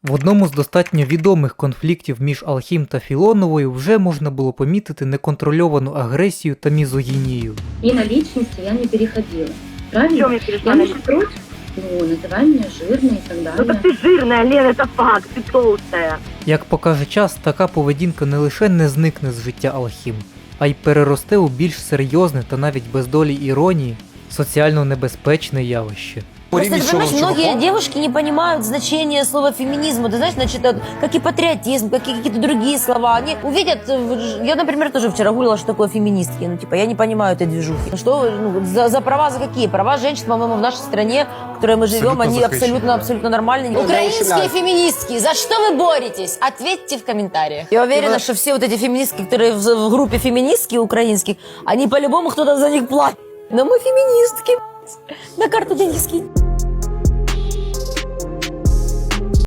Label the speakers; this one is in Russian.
Speaker 1: В одному з достатньо відомих конфліктів між Алхім та Філоновою вже можна було помітити неконтрольовану агресію та мізогінію.
Speaker 2: И на личности я не переходила. Правильно?
Speaker 3: Чем я перешла
Speaker 2: Я
Speaker 3: на
Speaker 2: не против. Ну, называй меня жирной и так
Speaker 3: Ну
Speaker 2: далее.
Speaker 3: так ты жирная, Лена, это факт, ты толстая.
Speaker 1: Як покаже час, така поведінка не лише не зникне з життя Алхім, а й переросте у більш серйозне та навіть без долі іронії соціально небезпечне явище.
Speaker 4: Просто, ты понимаешь, многие девушки не понимают значение слова феминизм. Ты знаешь, значит, это как и патриотизм, как и какие-то другие слова. Они увидят, я, например, тоже вчера гуглила, что такое феминистки. Ну, типа, я не понимаю этой движухи. Что, за права за какие? Права женщин, по-моему, в нашей стране, в которой мы живем, они абсолютно нормальные. Украинские феминистки, за что вы боретесь? Ответьте в комментариях. Я уверена, что все вот эти феминистки, которые в группе феминистки украинских, они по-любому кто-то за них платит. Но мы феминистки. На карту деньги скинь.